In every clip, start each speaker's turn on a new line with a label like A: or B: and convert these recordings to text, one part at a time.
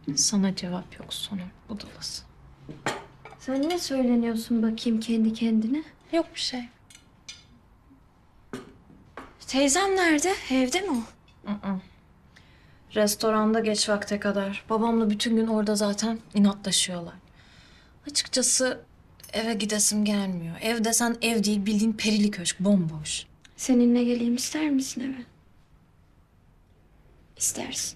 A: Sana cevap yok Sonu budalası.
B: Sen ne söyleniyorsun bakayım kendi kendine?
A: Yok bir şey.
B: Teyzem nerede? Evde mi o?
A: Restoranda geç vakte kadar. Babamla bütün gün orada zaten inatlaşıyorlar. Açıkçası eve gidesim gelmiyor. Ev desen ev değil, bildiğin perili köşk, bomboş.
B: Seninle geleyim ister misin eve? İstersin.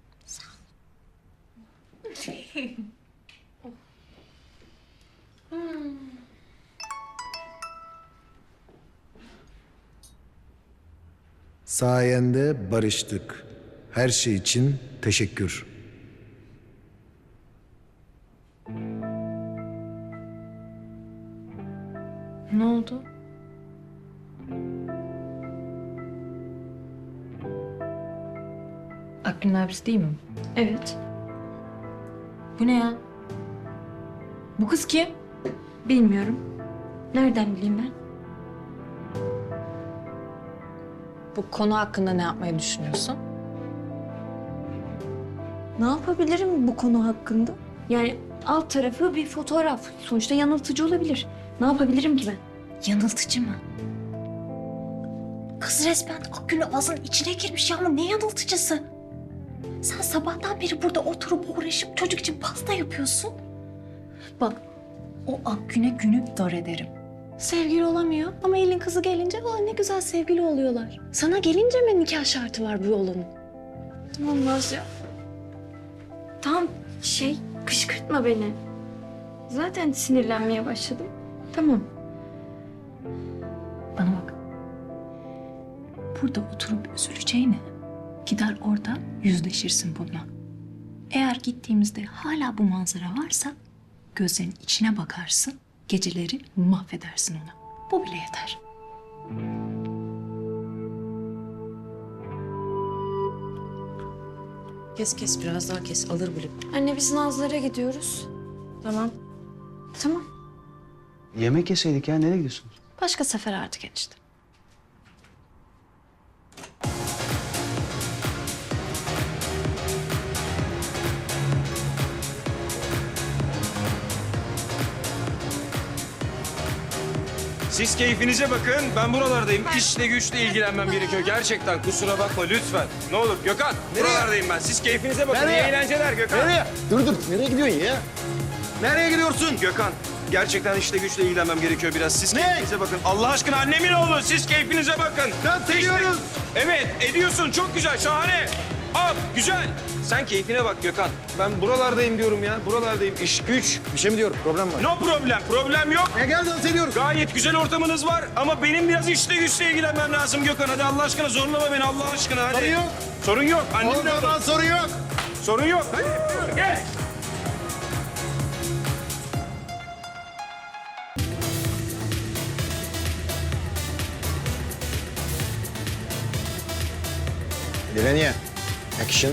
C: Sayende barıştık. Her şey için teşekkür.
A: Ne oldu? Akgün'ün abisi değil mi?
B: Evet.
A: Bu ne ya? Bu kız kim?
B: Bilmiyorum. Nereden bileyim ben?
A: Bu konu hakkında ne yapmayı düşünüyorsun?
B: Ne yapabilirim bu konu hakkında? Yani alt tarafı bir fotoğraf. Sonuçta yanıltıcı olabilir. Ne yapabilirim ki ben?
A: Yanıltıcı mı? Kız resmen Akgün'ün ağzının içine girmiş ya, ama ne yanıltıcısı? Sen sabahtan beri burada oturup uğraşıp çocuk için pasta yapıyorsun. Bak, o Akgün'e günü dar ederim. Sevgili olamıyor ama elin kızı gelince ne güzel sevgili oluyorlar. Sana gelince mi nikah şartı var bu oğlanın?
B: Olmaz ya. Tamam kışkırtma beni. Zaten sinirlenmeye başladım. Tamam.
A: Bana bak. Burada oturup üzüleceğine gider orada yüzleşirsin bununla. Eğer gittiğimizde hala bu manzara varsa gözlerinin içine bakarsın, geceleri mahvedersin ona. Bu bile yeter. Kes biraz daha kes, alır bile.
B: Anne biz Nazlı'lara gidiyoruz.
A: Tamam.
B: Tamam.
D: Yemek yeseydik ya. Nereye gidiyorsunuz?
A: Başka sefer artık enişte.
E: Siz keyfinize bakın. Ben buralardayım. İşle güçle ilgilenmem gerekiyor. Gerçekten kusura bakma lütfen. Ne olur Gökhan. Buralardayım ben. Siz keyfinize bakın.
C: Nereye?
E: İyi eğlenceler Gökhan.
C: Nereye? Dur. Nereye gidiyorsun ya? Nereye gidiyorsun?
E: Gökhan. Gerçekten işle güçle ilgilenmem gerekiyor biraz. Siz
C: Ne?
E: keyfinize bakın. Allah aşkına annemin oğlu. Siz keyfinize bakın.
C: Dans ediyoruz.
E: Evet ediyorsun. Çok güzel. Şahane. Al. Güzel. Sen keyfine bak Gökhan. Ben buralardayım diyorum ya. Buralardayım. İş güç.
C: Bir şey mi diyorum? Problem var.
E: No problem. Problem yok.
C: Gel dans ediyoruz.
E: Gayet güzel ortamınız var ama benim biraz işle güçle ilgilenmem lazım Gökhan. Hadi Allah aşkına zorlama beni Allah aşkına hadi.
C: Sorun yok.
E: Sorun yok. Annem
C: O
E: de
C: zaman
E: olur.
C: sorun yok.
E: Sorun yok. Hadi gel.
C: Dileniye. Action.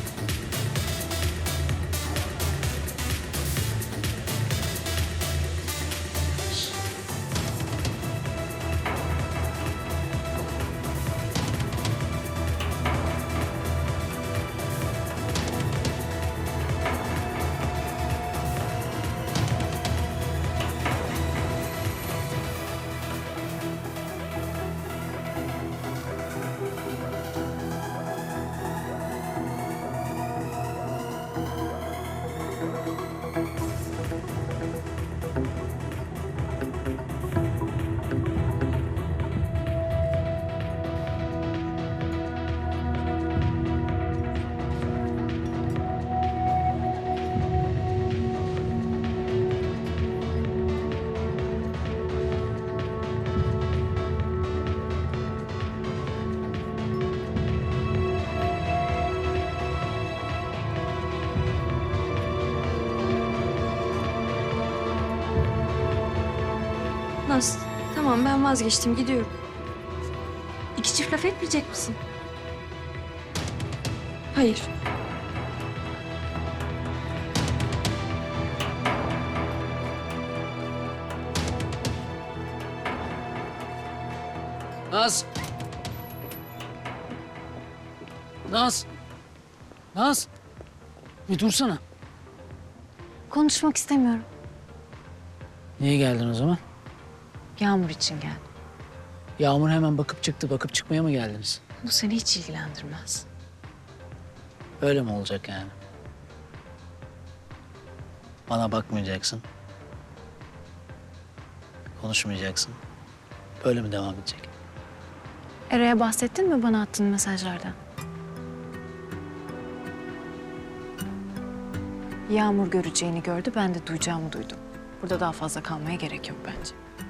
B: Naz, tamam ben vazgeçtim gidiyorum. İki çift laf etmeyecek misin? Hayır.
F: Naz. Naz. Naz. Bir dursana.
A: konuşmak istemiyorum.
F: Niye geldin o zaman?
A: Yağmur için geldim.
F: Yağmur hemen bakıp çıktı. Bakıp çıkmaya mı geldiniz?
A: Bu seni hiç ilgilendirmez.
F: Öyle mi olacak yani? Bana bakmayacaksın. Konuşmayacaksın. Böyle mi devam edecek?
A: Eray'a bahsettin mi bana attığın mesajlardan? Yağmur göreceğini gördü, ben de duyacağımı duydum. Burada daha fazla kalmaya gerek yok bence.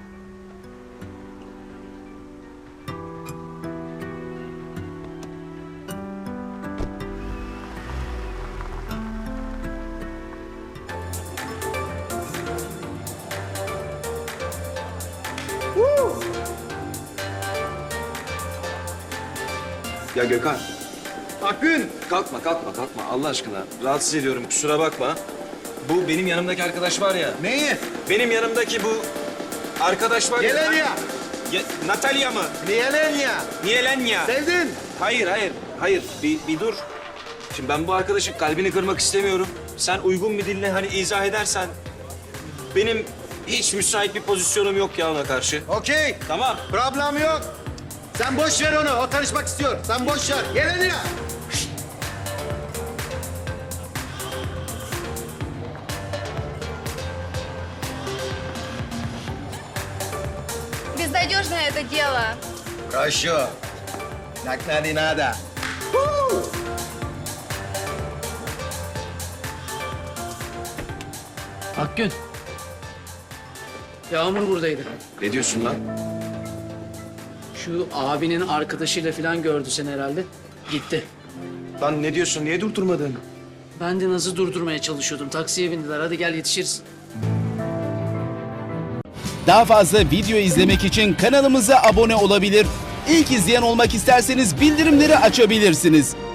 E: Ya Gökhan.
C: Akgün.
E: Kalkma Allah aşkına. Rahatsız ediyorum kusura bakma. Bu benim yanımdaki arkadaş var ya.
C: Neyi?
E: Benim yanımdaki bu arkadaş var ya.
C: Yelenya.
E: Natalya mı?
C: Yelenya.
E: Nielenya.
C: Sevdin.
E: Hayır. Bir dur. Şimdi ben bu arkadaşın kalbini kırmak istemiyorum. Sen uygun bir dille hani izah edersen. Benim hiç müsait bir pozisyonum yok ya ona karşı.
C: Okey.
E: Tamam.
C: Problem yok. Sen boş ver onu. O tanışmak istiyor. Sen boş ver. Yelenya.
G: Безнадежное это дело.
C: Хорошо. Так надо и надо.
F: Akgün. Yağmur buradaydı.
E: Ne diyorsun lan?
F: Şu abinin arkadaşıyla falan gördü seni herhalde. Gitti.
E: Lan ne diyorsun? Niye durdurmadın?
F: Ben de Naz'ı durdurmaya çalışıyordum. Taksiye bindiler. Hadi gel yetişiriz.
H: Daha fazla video izlemek için kanalımıza abone olabilir. İlk izleyen olmak isterseniz bildirimleri açabilirsiniz.